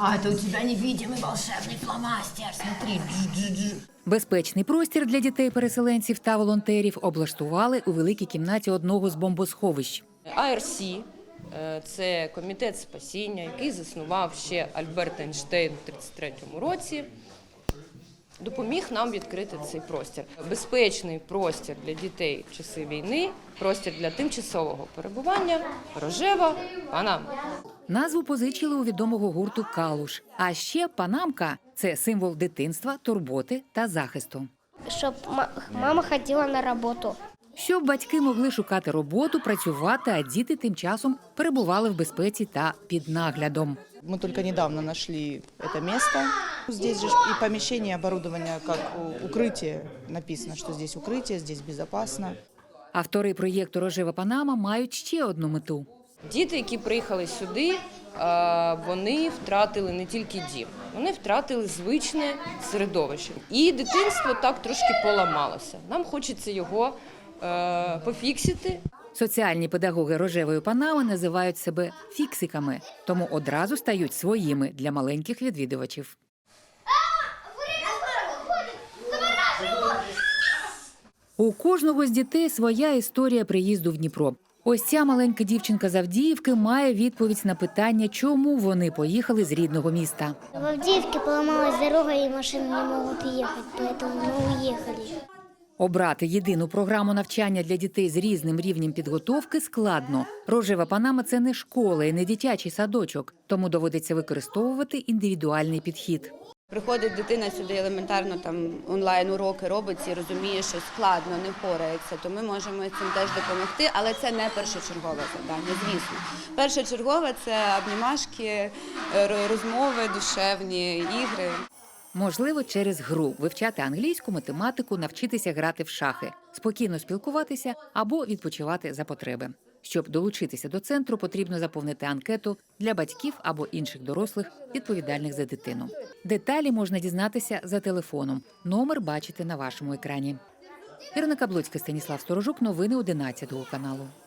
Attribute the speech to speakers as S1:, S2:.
S1: А это у тебя невидимый волшебный фломастер, смотри.
S2: Безпечний простір для дітей-переселенців та волонтерів облаштували у великій кімнаті одного з бомбосховищ.
S3: АРС – це комітет спасіння, який заснував ще Альберт Ейнштейн у 1933 році. Допоміг нам відкрити цей простір. Безпечний простір для дітей в часи війни, простір для тимчасового перебування, Рожева Панама.
S2: Назву позичили у відомого гурту «Калуш». А ще панамка – це символ дитинства, турботи та захисту.
S4: Щоб мама ходила на роботу.
S2: Щоб батьки могли шукати роботу, працювати, а діти тим часом перебували в безпеці та під наглядом.
S5: Мы только недавно нашли это место. Здесь же и помещение, оборудование как укрытие. Написано, что здесь укрытие, здесь безопасно.
S2: Автори проєкту «Рожева Панама» мають ще одну мету.
S3: Діти, які приїхали сюди, вони втратили не тільки дім, вони втратили звичне середовище. І дитинство так трошки поламалося. Нам хочеться його пофіксити.
S2: Соціальні педагоги «Рожевої Панами» називають себе фіксиками, тому одразу стають своїми для маленьких відвідувачів. У кожного з дітей своя історія приїзду в Дніпро. Ось ця маленька дівчинка з Авдіївки має відповідь на питання, чому вони поїхали з рідного міста.
S4: В Авдіївці поламалась дорога і машини не можуть їхати, тому ми уїхали.
S2: Обрати єдину програму навчання для дітей з різним рівнем підготовки складно. «Рожева Панама» – це не школа і не дитячий садочок, тому доводиться використовувати індивідуальний підхід.
S6: Приходить дитина сюди елементарно, там онлайн-уроки робить і розуміє, що складно, не впорається, то ми можемо цим теж допомогти, але це не першочергове завдання, звісно. Першочергове – це обнімашки, розмови, душевні ігри.
S2: Можливо, через гру вивчати англійську, математику, навчитися грати в шахи, спокійно спілкуватися або відпочивати за потреби. Щоб долучитися до центру, потрібно заповнити анкету для батьків або інших дорослих, відповідальних за дитину. Деталі можна дізнатися за телефоном. Номер бачите на вашому екрані. Ірина Каблоцька, Станіслав Сторожук. Новини 11 каналу.